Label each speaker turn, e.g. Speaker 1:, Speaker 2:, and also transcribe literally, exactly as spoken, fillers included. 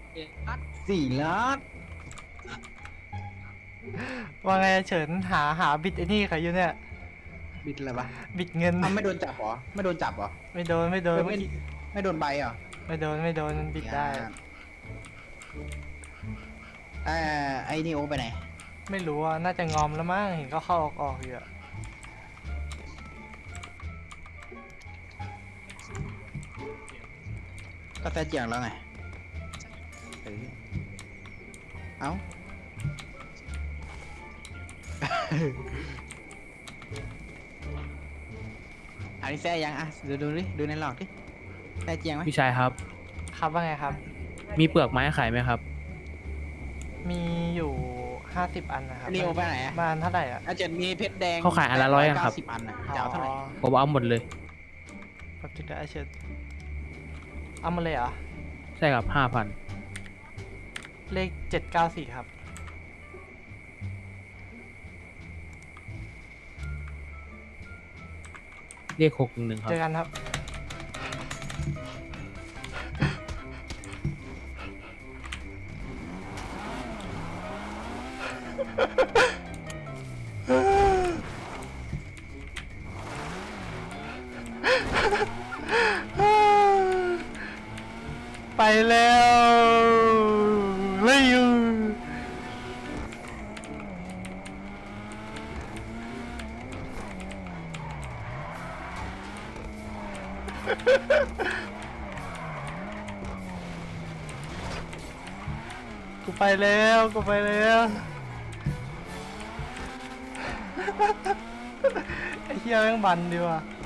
Speaker 1: สี่ล้าน
Speaker 2: ว่าไงเฉินหาหาบิดไอ้นี่ใครอยู่เนี่ย
Speaker 1: บิดอะไรวะ
Speaker 2: บิดเงิน
Speaker 1: อ้าวไม่โดนจับเหรอไม่โดนจับเหรอ
Speaker 2: ไม่โดนไม่โดน
Speaker 1: ไม่
Speaker 2: เมื่อกี้
Speaker 1: ไม่โดนใบเหรอ
Speaker 2: ไม่โดนไม่โดนมันบิดได้
Speaker 1: เอ่อไอ้นี่โอไปไหน
Speaker 2: ไม่รู้อ่ะน่าจะงอมแล้วมั้งเห็นก็เข้าออกออกอยู่อะ
Speaker 1: ก็แต่เจียงแล้วไงเออเอ้า อันนี้แซ่ยังอ่ะดูดูดิดูในหลอดดิแซ่เจียงไหม
Speaker 3: พี่ชายครับ
Speaker 2: ครับว่าไงครับ
Speaker 3: มีเปลือกไม้ขายไหมครับ
Speaker 2: มีอยู่ห้าสิบอันนะครับ
Speaker 1: นี่โอไปไหนอ่ะ
Speaker 2: บ้านเท่าไหร่อ่ะ
Speaker 1: อาจจะมีเพชรแดง
Speaker 3: เขาขายอันละร้อยอะครับ
Speaker 1: เก้าสิบอันอ่ะจะเอาเท่าไหร่
Speaker 3: ผมเอาหมดเลย
Speaker 2: แป๊บนึงนะไอเฉินเอามาเลยเหรอ
Speaker 3: ใช่ครับห้าพัน
Speaker 2: เลขเจ็ดเก้าสี่ครับ
Speaker 3: เรียกหกหนึ่งครับ
Speaker 2: เจอกันครับ ไปแล้วเลยอยู่กูไปแล้วกูไปแล้วไอ้เหี้ยแม่งบันดีว่ะ